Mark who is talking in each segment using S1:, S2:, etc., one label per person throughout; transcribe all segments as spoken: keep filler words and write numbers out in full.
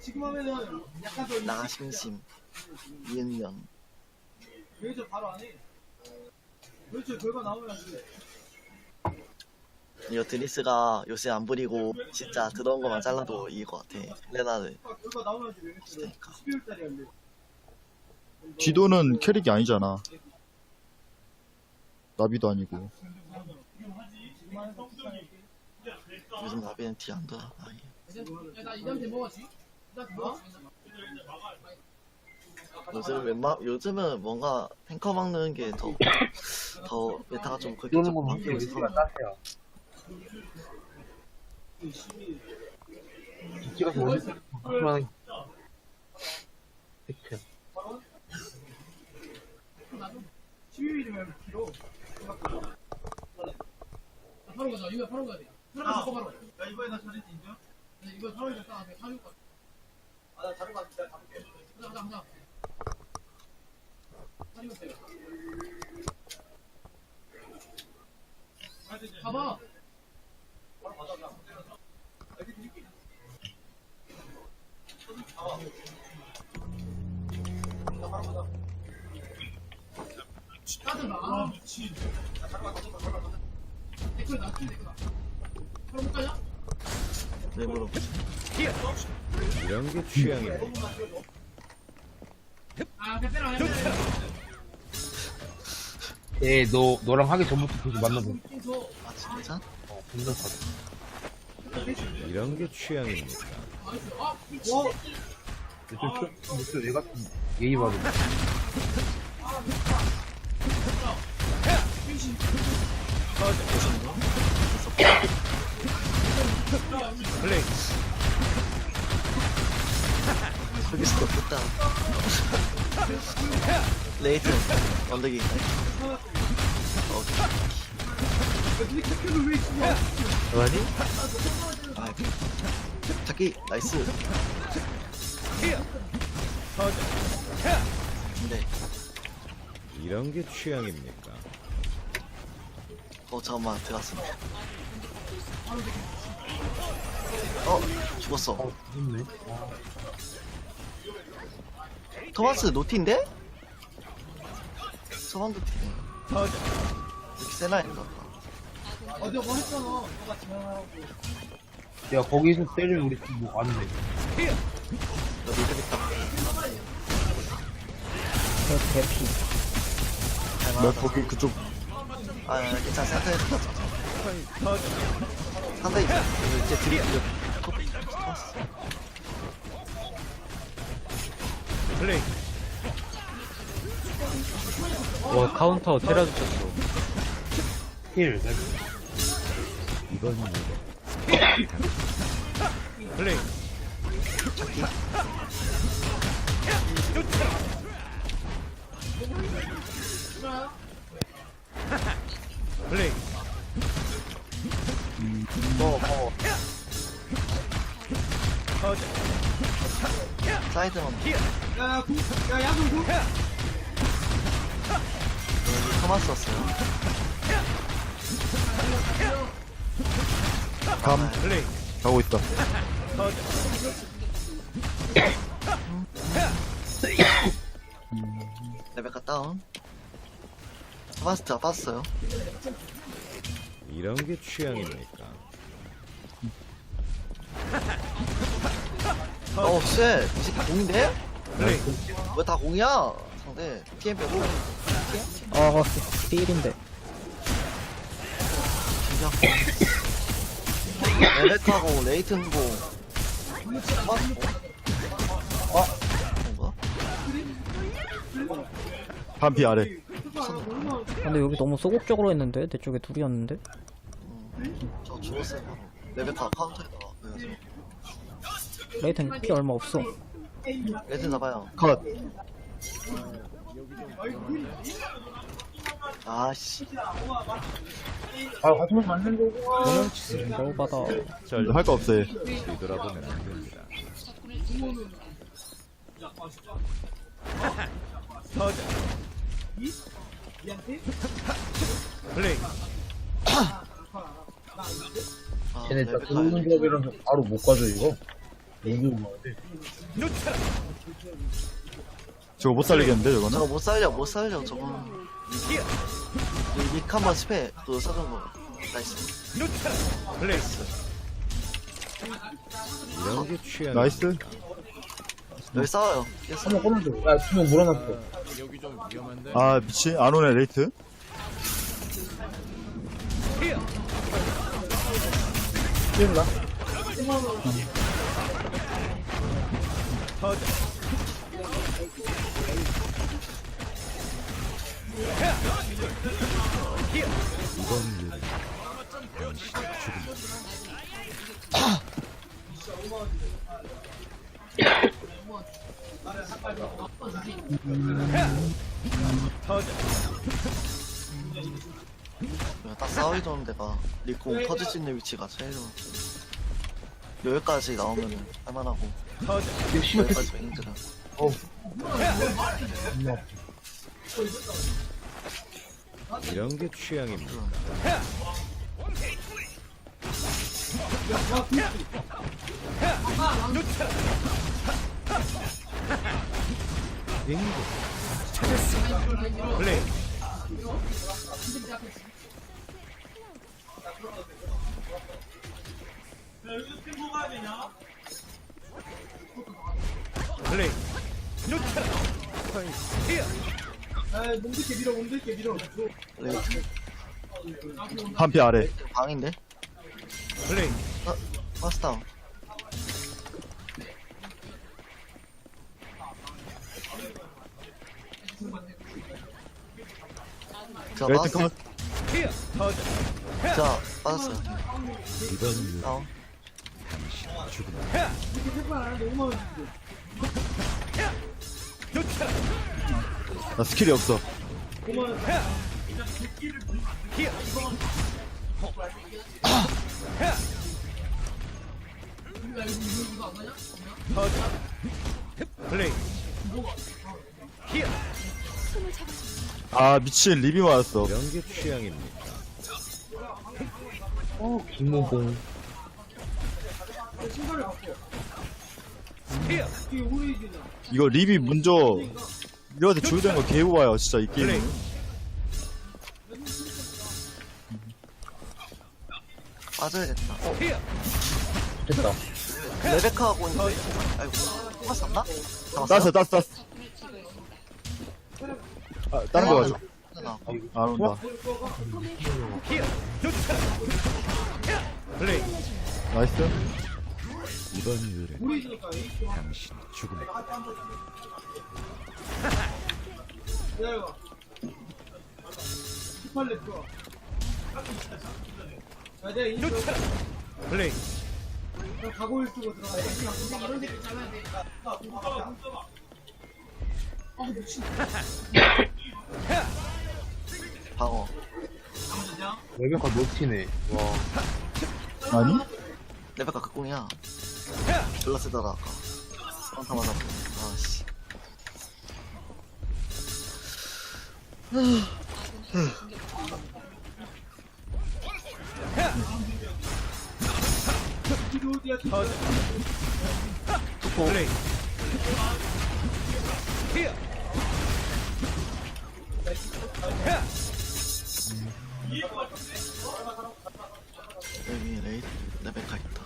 S1: 지금 하면은 약간 더
S2: 나심심 이은년.
S1: 그래서 바로 안 해. 그렇죠. 결과 나오면
S2: 이거 드니스가 요새 안 부리고 진짜 들어온 것만 잘라도 이길 것 같아. 레나를
S1: 결과 나오면
S2: 그러니까.
S1: 십이월 달에 안 돼.
S3: 지도는 캐릭이 아니잖아. 나비도 아니고.
S2: 요즘 나비는 티 안 돌아. 아예.
S1: 나 이한테 먹었지? 나 뭐?
S2: 요즘 웬만 요즘은 뭔가 탱커 막는 게 더 더 메타가 좀 그렇게
S4: 이러는
S2: 좀
S4: 건
S2: 바뀌고
S4: 확실히
S2: 있어.
S4: 위치가 따세요. 찍어서 원래 하면 팩트.
S1: 십이일이면 키로. 바로 가자. 이거 바로 가야 돼. 바로 가자. 바로. 야 이번에 나 잘했지 인정? 이거 바로 이제 딱 앞에 사줄 거야. 아나 다른 거 같아. 가볼게. 가자 가자 가자. 봐봐. 따뜻하. 댓글 나, 댓글 나. 그럼 가자.
S2: 왜 물어보지?
S5: 이런 게 취향이네.
S1: 아, 빼빼라 해.
S4: 예, 너 너랑 하기 전부터 계속 만나고.
S2: 아 진짜?
S4: 어, 존나 사다.
S5: 이런 게 취향입니까?
S4: 좀 무슨 얘 같은 예의 바르.
S5: 플레이.
S2: 여기서 됐다. 레이튼 언덕이.
S5: 뭐하니?
S2: 아 자기 나이스. 근데
S5: 이런 게 취향입니까?
S2: 어 잠깐만 들어갔어. 어 죽었어.
S4: 어, 좋네.
S2: 토마스 노티인데? 서방 노티. 이렇게 세나인가 봐.
S1: 어, 내가 뭐 했잖아. 너가 지나가고.
S4: 야, 거기서 때리면 우리 팀 뭐 안 돼.
S2: 너 믿으겠다.
S6: 대피.
S3: 나 거기 그쪽
S2: 아 괜찮아 센터에서 가자. 상대 이제 이제 드립 토마스.
S5: 플레이.
S6: 와 카운터 테라 주셨어.
S4: 힐.
S5: 이건 뭐고? 플레이. 플레이.
S4: 뭐, 뭐.
S2: 사이드만
S1: 야, 구, 야, 야구 구.
S2: 여기 토마스 왔어요.
S3: 감
S5: 플레이.
S3: 가고 있다.
S2: 레베카 다운. 토마스 다 빠졌어요.
S5: 이런 게 취향입니까?
S2: 어우 쉣 이 새끼 공인데?
S5: 플레이.
S2: 왜 다 공이야? 상대 피엠 빼고
S6: 아 필인데.
S2: 진짜 레베카고 레이튼고 토마스 어? 뭔가?
S3: 반피 아래.
S6: 근데 여기 너무 소극적으로 했는데 내 쪽에 둘이었는데.
S2: 음, 저 죽었어요 바로. 레베카 카운터에다가 그래서
S6: 레이튼 피 얼마 없어.
S2: 레이튼 잡아요.
S3: 컷.
S2: 아씨
S4: 아, 같으면 맞는 거고.
S6: 도망치지 너무 받아.
S5: 절
S3: 할 거 없어 얘.
S5: 뒤돌아보면 안 됩니다. 플레이.
S2: 아,
S4: 쟤네 진짜
S2: 레베카
S4: 들어오는
S2: 이렇게
S4: 조합이라서 바로 못 가죠, 이거? 너무 많은데.
S3: 저거 못 살리겠는데
S2: 저거
S3: 저거는?
S2: 못 살려 못 살려 저거. 닉 한번 스페 그거 써준 거. 나이스.
S5: 플레이스. 이런 게 취향.
S3: 나이스.
S2: 여기 싸워요. 깼어.
S4: 한번 꺼내줘. 야, 두 명 몰아놨어.
S5: 여기 좀 위험한데.
S3: 아 미친 안 오네 레이트.
S4: 뛰었나?
S2: 그냥 딱 싸우기 좋은 데가 리콘 터질 수 있는 위치가 제일 좋아. 여기까지 나오면은 할만하고 여기까지 힘들어.
S4: 어우.
S5: 이런 게 취향입니다. 빙고. 플레이. 플레이.
S1: 아, 몸들게 밀어, 몸들게 밀어.
S2: 레이트
S3: 반피 아래.
S2: 방인데?
S5: 플레이.
S2: 아, 파스 다운. 자,
S3: 레이트
S2: 빠졌어.
S3: 컷.
S2: 자, 빠졌어요.
S5: 이번
S2: 다운.
S3: 나 스킬이 없어.
S5: 플레이.
S3: 아 미친 리비 맞았어.
S5: 이런 게 취향입니다.
S4: 어, 김호공.
S3: 이거 리비 먼저 이거한테 주된 거 개우봐요 진짜 이 게임.
S2: 빠져야겠다. 어,
S4: 됐다.
S2: 레베카하고 있는데. 아이고, pass었나?
S3: 땄어 땄어 땄어. 아 다른 거 가져.
S2: 나
S3: 안 온다.
S5: 플레이.
S3: 나이스.
S5: 이번 유래 당신 죽음의
S1: 기다려봐. 십팔 렙 좋아. 자, 내가 이
S5: 플레이.
S1: 가고일 쓰고 들어가야 돼. 이런 데 잘라야 돼. 아, 미친.
S2: 방어.
S4: 레베카 노티네. 와.
S3: 아니?
S2: 레베카 극공이야. 졸라 세더라, 아까. 한타 맞았고. 아씨.
S5: 플레이.
S2: 여기 레이트, 레베카 있다.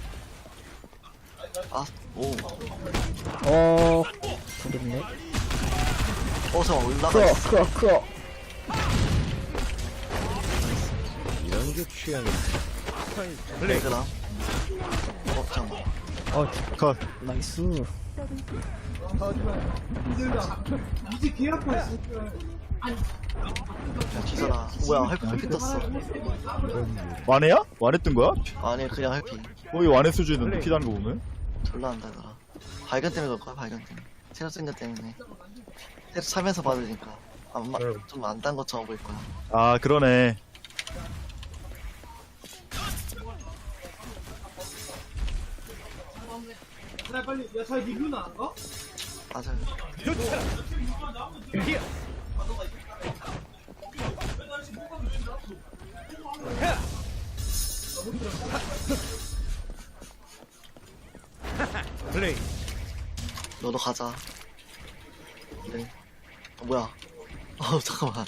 S2: 아, 오.
S6: 어, 부럽네.
S2: 어, 잠깐 올라가
S6: 크어,
S2: 있어.
S6: 크어, 크어.
S5: 이런 게 취향입니다. 플레이.
S2: 레그랑. 어, 잠깐만.
S6: 어,
S3: 컷.
S6: 나이스.
S1: 이제 개 아파.
S2: 야, 기사라. 뭐야, 할피, 할피 떴어.
S3: 완해야? 완했던 거야?
S2: 아니, 그냥 할피.
S3: 거의 완해 수준인데 피다는 거 보면.
S2: 졸라 한다더라. 발견 때문에 그럴 거야, 발견 때문에. 체력 생각 때문에. 체력 차면서 받으니까. 안, 마, 좀 안 딴 것처럼 보일 거야.
S3: 아 그러네.
S1: 나 빨리, 야, 잘 리뷰나 안 가?
S2: 맞아요.
S5: 플레이.
S2: 너도 가자. 네. 어, 뭐야? 어 잠깐만.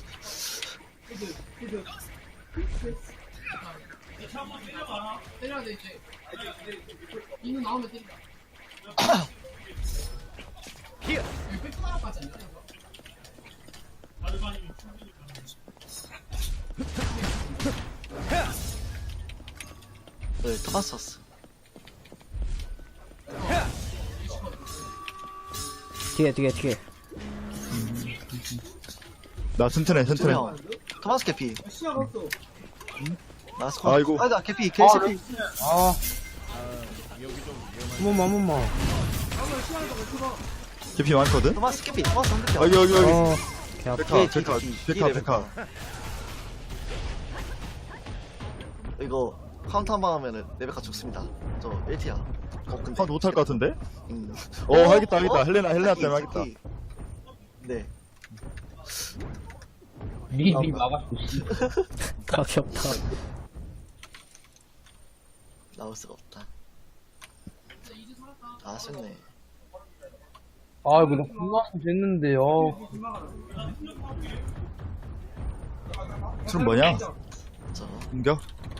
S1: 때려야 돼 이제. 인구 나오면 때린다.
S5: 히어.
S1: 여기 백하나까지 안 돼.
S2: 네, 토마스였어.
S6: 뒤에 뒤에 뒤에.
S3: 나 튼튼해 튼튼해.
S2: 투명. 토마스 캐피.
S1: 시작 없어.
S2: 나스 컷.
S3: 아이고.
S2: 아니다 캐피.
S4: 아,
S2: 캐피.
S4: 아. 한 번만, 한 번만.
S3: 깊이 많거든?
S2: 토마스 캐피. 토마스 한 캐피.
S3: 여기 여기 여기.
S4: 어,
S6: 개 아파.
S2: 뒤에,
S3: 백화
S2: 뒤에,
S3: 백화
S2: 뒤에
S3: 백화 백화.
S2: 이거 카운터 한 번 하면은 레베카 죽습니다. 저 일 티야. 어 근데.
S3: 한 못할 것 같은데?
S2: 음.
S3: 어 하겠다 하겠다. 헬레나 헬레나
S2: 캐피,
S3: 때문에 하겠다.
S2: 캐피. 네.
S4: 리비 막았어, 씨.
S6: 답이 없다.
S2: 나올 수가 없다. 아쉽네.
S4: 아, 이거 나 분노하면 됐는데, 어.
S3: 술 뭐냐?
S2: 저
S3: 공격?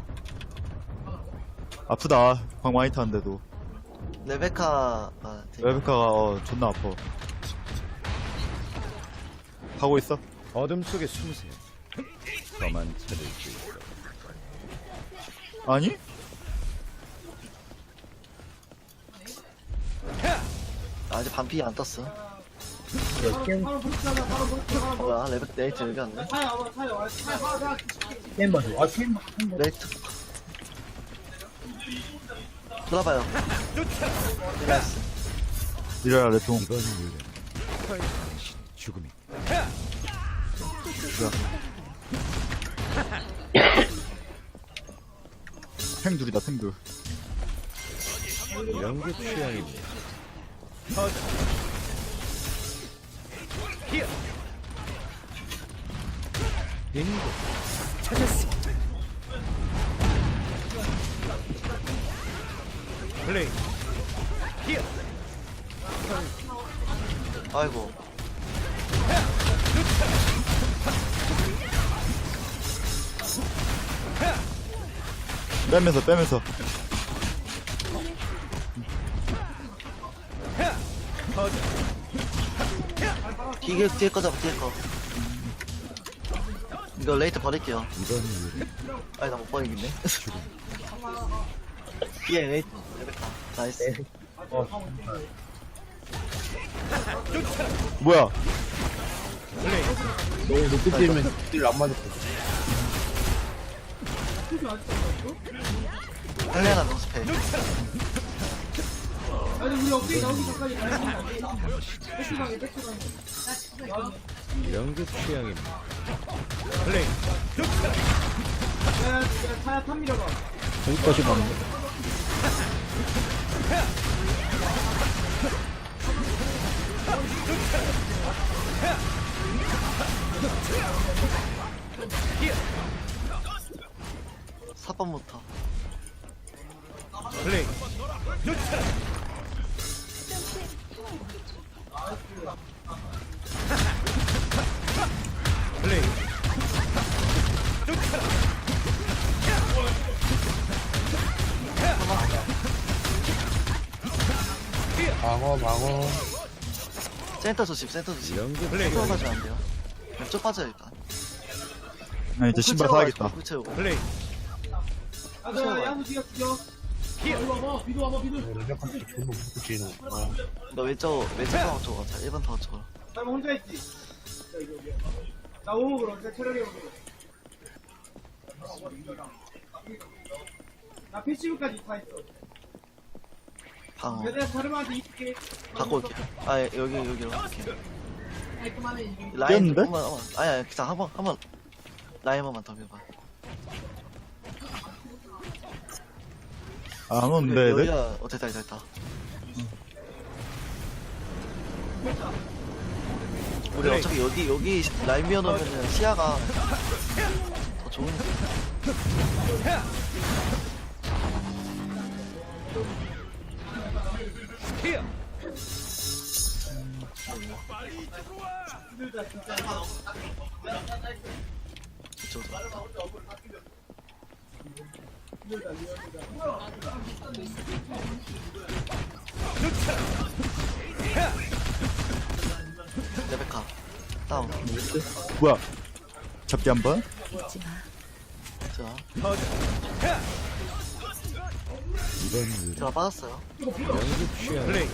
S3: 아프다. 광 많이 타는데도.
S2: 레베카가 되게
S3: 레베카가 어, 존나 아파. 하고 있어?
S5: 어둠 속에 숨으세요. 저만 찾을 수 있어.
S3: 아니?
S2: 아직 반피 안 떴어.
S1: 바로 붙이자. 바로 붙이자.
S2: 어, 뭐야 레베 레이트 여기 왔네.
S1: 타야 와봐. 타야 와. 타야 와. 나
S4: 게임 봐줘. 아, 게임 봐.
S2: 레이트. 들어봐요. 나이스.
S3: 이래라 레통.
S5: 이번 일은 당신 죽음이.
S3: 탱둘이다 탱둘.
S5: 이런 게 취향입니다. 터져. 히어. 빙고. 찾았어. 플레이. 히어.
S2: 아이고.
S3: 빼면서 빼면서.
S5: 터져.
S2: 뒤에 뒤에 거 잡아 뒤에 거. 이거 레이트 버릴게요.
S5: 이번 일은
S2: 아니 나 못 버리겠네. 뒤에 레이트 레베카. 나이스.
S3: 뭐야?
S5: 플레이.
S4: 너무 높게 뛰면 딜안 맞을 거야.
S2: 헬레나 노스페.
S1: 아니 우리 업데이트 나오기 전까지 가야 돼. 백수강에 백수강에.
S5: 이런 게 취향입니다. 플레이.
S1: 야, 야, 타야 탑 밀어봐.
S6: 여기까지 봤네.
S2: 사 번부터.
S5: 플레이. 플레이.
S4: 방어, 방어.
S2: 센터 조심 센터 조심.
S5: 이런 게 플레이.
S2: 센터 가지면 안 돼요. 왼쪽 빠져요 일단.
S3: 나 이제 신발 사야겠다.
S2: 구 채우고.
S5: 플레이.
S1: 아, 너 야구 죽여 죽여. 이리 와봐. 비도 와봐. 비도.
S4: 레베카 씨 존나 높게 뛰는 거.
S2: 너 왼쪽 왼쪽 방어 쪽 가자. 일 번 타워 쪽.
S1: 나 혼자 있지. 자, 이거, 이거. 나 오목으로. 내 체력이 오목으로. 나 패시브까지 다 했어.
S2: 방어.
S1: 내가 자르마한테 이렇게.
S2: 갖고 올게. 아 예, 여기 여기로. 이렇게.
S1: 깔끔하네. 이게.
S2: 라인
S3: 깼는데?
S2: 한번 한번. 아니 아니 그냥 한번 한번 라인 한번만 더 밀어봐.
S3: 아, 안 오는데 네?
S2: 여기가 어 됐다 됐다 됐다. 우리
S5: 플레이.
S2: 어차피 여기 여기 라인 미어놓으면 시야가 더 좋으니까. 이쪽으로. 레베카 다운.
S3: 뭐야? 잡기 한 번?
S2: 자,
S5: 이번 일
S2: 제가 빠졌어요.
S5: 연습 취향 플레이.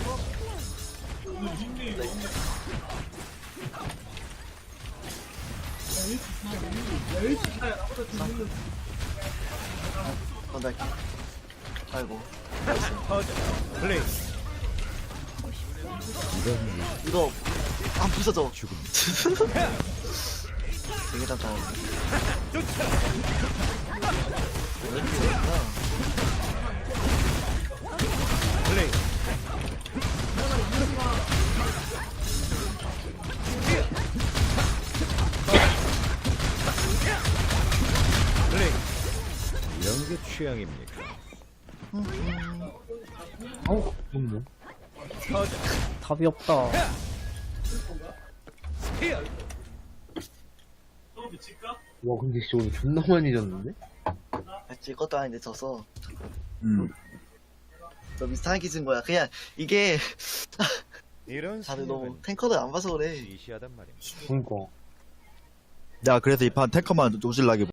S2: 건달기. 아이고.
S5: 플레이. 이번 일
S2: 이거 안 부서져.
S5: 죽음.
S2: 되게 단단해. 왜 이렇게 어렵나?
S5: 플레이. 플레이. 이런 게 취향입니까?
S4: 아우 좋네.
S6: 답이 없다.
S4: 와 근데 진짜 오늘 존나 많이 졌는데?
S2: 했지, 것도 아닌데 져서.
S3: 음.
S2: 너 비슷하게 진 거야. 그냥 이게
S5: 이런
S2: 다들 너무
S5: 생각은
S2: 탱커를 안 봐서 그래.
S5: 시시하단 말입니다.
S4: 그니까.
S3: 야, 그래서 이 판 탱커만 오질라게